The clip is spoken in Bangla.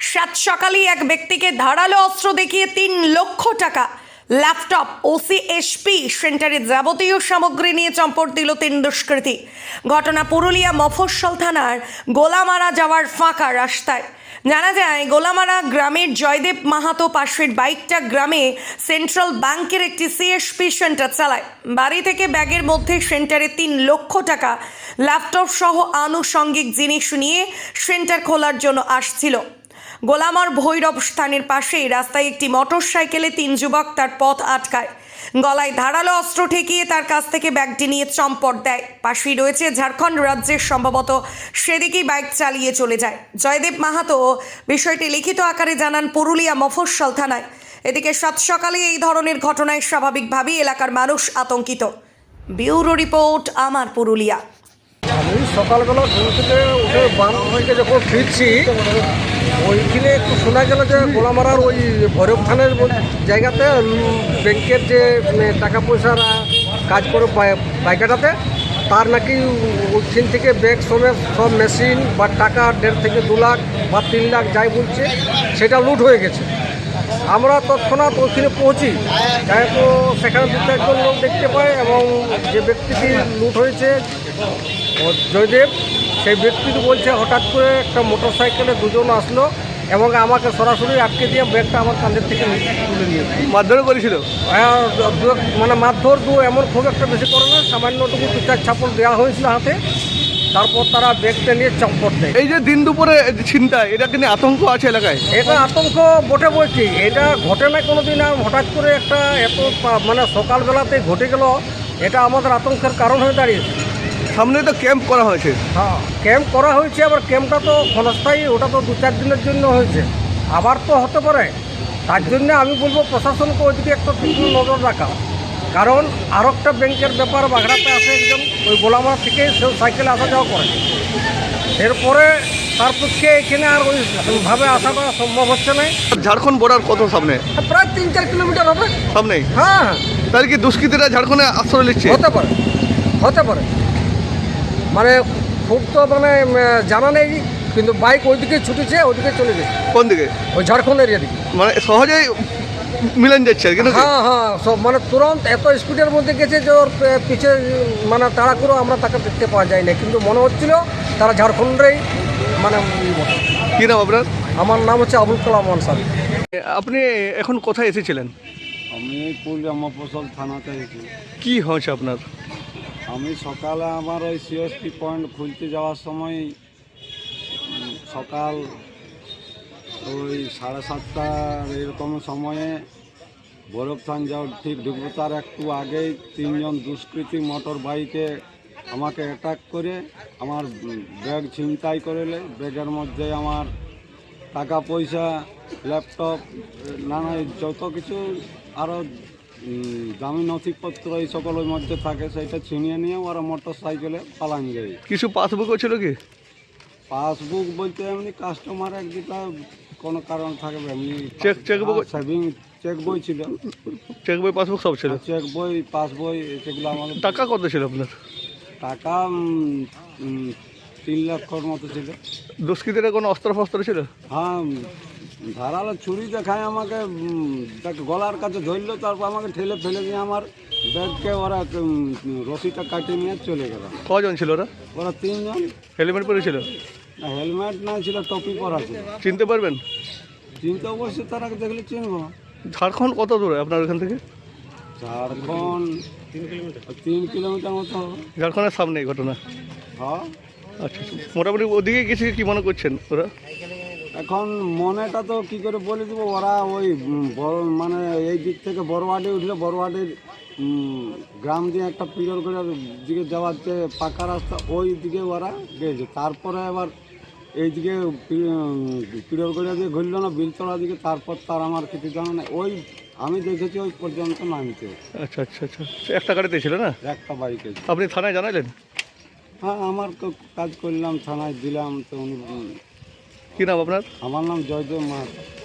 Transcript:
সাত সকালেই এক ব্যক্তিকে ধারালো অস্ত্র দেখিয়ে 3 লক্ষ টাকা, ল্যাপটপ, ওসিএসপি সেন্টারে যাবতীয় সামগ্রী নিয়ে চম্পট দিল 3 দুষ্কৃতী। ঘটনা পুরুলিয়া মফস্বল থানার গোলামারা যাওয়ার ফাঁকা রাস্তায়। জানা যায়, গোলামারা গ্রামের জয়দেব মাহাতো পাশের বাইকটা গ্রামে সেন্ট্রাল ব্যাংকের একটি সিএসপি সেন্টার চালায়। বাড়ি থেকে ব্যাগের মধ্যে সেন্টারে 3 লক্ষ টাকা, ল্যাপটপ সহ আনুষঙ্গিক জিনিস নিয়ে সেন্টার খোলার জন্য আসছিল। গোলামার ভৈরব স্থানের পাশেই রাস্তায় একটি মোটরসাইকেলে 3 যুবক তার পথ আটকায়। গলায় ধারালো অস্ত্র ঠেকিয়ে তার কাছ থেকে ব্যাগটি নিয়ে চম্পট দেয়। পাশেই রয়েছে ঝাড়খণ্ড রাজ্যের, সম্ভবত সেদিকেই বাইক চালিয়ে চলে যায়। জয়দেব মাহাতো বিষয়টি লিখিত আকারে জানান পুরুলিয়া মফস্বল থানায়। এদিকে সাত সকালে এই ধরনের ঘটনায় স্বাভাবিকভাবেই এলাকার মানুষ আতঙ্কিত। ব্যুরো রিপোর্ট, আমার পুরুলিয়া। আমি সকালবেলা ঘুম থেকে উঠে বান থেকে যখন ফিরছি, ওইখানে একটু শোনা গেল যে গোলামারার ওই ভৈরব থানের জায়গাতে ব্যাংকের যে টাকা পয়সার কাজ করে পাইকাটাতে, তার নাকি ওইখান থেকে ব্যাগ সমেত সব মেশিন বা টাকা 1.5 থেকে 2 লাখ বা 3 লাখ যাই বলছে সেটা লুট হয়ে গেছে। আমরা তৎক্ষণাৎ ওইখানে পৌঁছি, তাই তো সেখানে 2-4 লোক দেখতে পাই এবং যে ব্যক্তিটি লুট হয়েছে জয়দেব, সেই ব্যক্তিটি বলছে হঠাৎ করে একটা মোটরসাইকেলে 2 জন আসলো এবং আমাকে সরাসরি আটকে দিয়ে ব্যাগটা আমার কাঁধের থেকে তুলে নিয়েছে। মারধর করেছিল? মানে মারধর এমন খুব একটা বেশি করে না, সামান্যটুকু 2-4 ছাপল দেওয়া হয়েছিল হাতে, তারপর তারা ব্যাগটা নিয়ে চম্পট দেয়। এই যে দিন দুপুরে ছিনতাই, এটা কিন্তু আতঙ্ক আছে এলাকায়? এটা আতঙ্ক বটে বলছি, এটা ঘটে না কোনোদিন, হঠাৎ করে একটা এত মানে সকালবেলাতে ঘটে গেল, এটা আমাদের আতঙ্কের কারণ হয়ে দাঁড়িয়েছে। সামনে তো ক্যাম্প করা হয়েছে। হ্যাঁ, ক্যাম্প করা হয়েছে, আবার ক্যাম্পটা তো ক্ষণস্থায়ী, ওটা তো 2-4 দিনের জন্য হয়েছে, আবার তো হতে পারে। তার জন্য আমি বলবো প্রশাসনকে ওইদিকে একটা তীক্ষ্ণ নজর রাখা, কারণ আর একটা ব্যাংকের ব্যাপার বাগড়াতে আসে একজন, ওই গোলামারা থেকে সে সাইকেলে আসা যাওয়া করে, এরপরে তার পক্ষে এখানে আর ওইভাবে আসাটা সম্ভব হচ্ছে না। ঝাড়খণ্ড বর্ডার কত সামনে? প্রায় 3-4 কিলোমিটার হবে সামনেই। হ্যাঁ, তাহলে কি দুষ্কৃতীরা ঝাড়খণ্ডে আশ্রয় নিচ্ছে? হতে পারে, মানে খুব তো মানে জানা নেই, কিন্তু বাইক ওইদিকে ছুটেছে, ওইদিকে চলে গেছে। কোন দিকে? ওই ঝাড়খণ্ড এরিয়া দিকে, মানে সহজেই মিলেন যাচ্ছে আর কি? হ্যাঁ হ্যাঁ, সব মানে তুরন্ত এত স্পিডের মধ্যে গেছে যে ওর পিছে মানে তাড়া করে আমরা তাকে দেখতে পাওয়া যায় না, কিন্তু মনে হচ্ছিল তারা ঝাড়খণ্ডেই মানে। কি নাম আপনার? আমার নাম হচ্ছে আবুল কালাম আনসারী। আপনি এখন কোথায় এসেছিলেন? আমি পুরুলিয়া মফস্বল থানাতে এসেছি। কি হয়েছে আপনার? আমি সকালে আমার ওই সিএসপি পয়েন্ট খুলতে যাওয়ার সময় সকাল ওই 7:30 এরকম সময়ে ভৈরবথান যাওয়ার ঠিক ঢুকবো তার একটু আগেই 3 জন দুষ্কৃতী মোটর বাইকে আমাকে অ্যাটাক করে আমার ব্যাগ ছিনতাই করে নেয়। ব্যাগের মধ্যে আমার টাকা পয়সা, ল্যাপটপ, নানা যত কিছু আরও দামি নথিপত্র এই সকল ওই মধ্যে থাকে, সেটা ছিনিয়ে নিয়ে ওরা মোটর সাইকেলে পালান যায়। কিছু পাসবুকও ছিল কি? পাসবুক বলতে এমনি কাস্টমার একদিকে কোনো কারণ থাকবে, এমনি চেকবুক, সেভিং চেক বই ছিল, চেক বই, পাসবুক সব ছিল। চেক বই, পাসবই, সেগুলো আমাদের। টাকা কত ছিল আপনার? টাকা 3 লক্ষর মতো ছিল। দুষ্কৃতীরা কোনো অস্ত্র ফস্ত্র ছিল? হ্যাঁ, ধারালো ছুরি দেখায় আমাকে, গলার কাছে ধরলো, তারপর আমাকে ঠেলে ফেলে নিয়ে আমার ব্যাগকে ওরা রশিটা কাটিয়ে নিয়ে চলে গেল। কজন ছিল ওরা? ওরা 3 জন। হেলমেট পরেছিল? না, হেলমেট না ছিল, টপি পরা ছিল। চিনতে পারবেন? চিনতে অবশ্যই, তারা দেখলে চিনবো। ঝাড়খণ্ড কত দূরে আপনার ওখান থেকে? ঝাড়খণ্ড 3 কিলোমিটার মতো হবে। ঝাড়খণ্ডের সামনে এই ঘটনা? হ্যাঁ। আচ্ছা, মোটামুটি ওদিকে গেছে, কি মনে করছেন ওরা? এখন মনেটা তো কি করে বলে দেবো, ওরা ওই মানে এই দিক থেকে বড়ওয়াডি উঠলে বড়ওয়াডির গ্রাম দিয়ে একটা পিরর করে দিকে যাওয়ার যে পাকা রাস্তা, ওই দিকে ওরা গেছে। তারপরে আবার এইদিকে পিরর করে দিয়ে ঘুরল না বিলতলা দিকে, তারপর তার আমার কিছু জানা নেই, ওই আমি দেখেছি ওই পর্যন্ত নামতে। আচ্ছা আচ্ছা আচ্ছা, একটা গাড়িতে ছিল না? একটা বাইকে। আপনি থানায় জানালেন? হ্যাঁ, আমার তো কাজ করলাম, থানায় দিলাম। তো উনি। কী নাম আপনার? আমার নাম জয়দেব মাহাতো।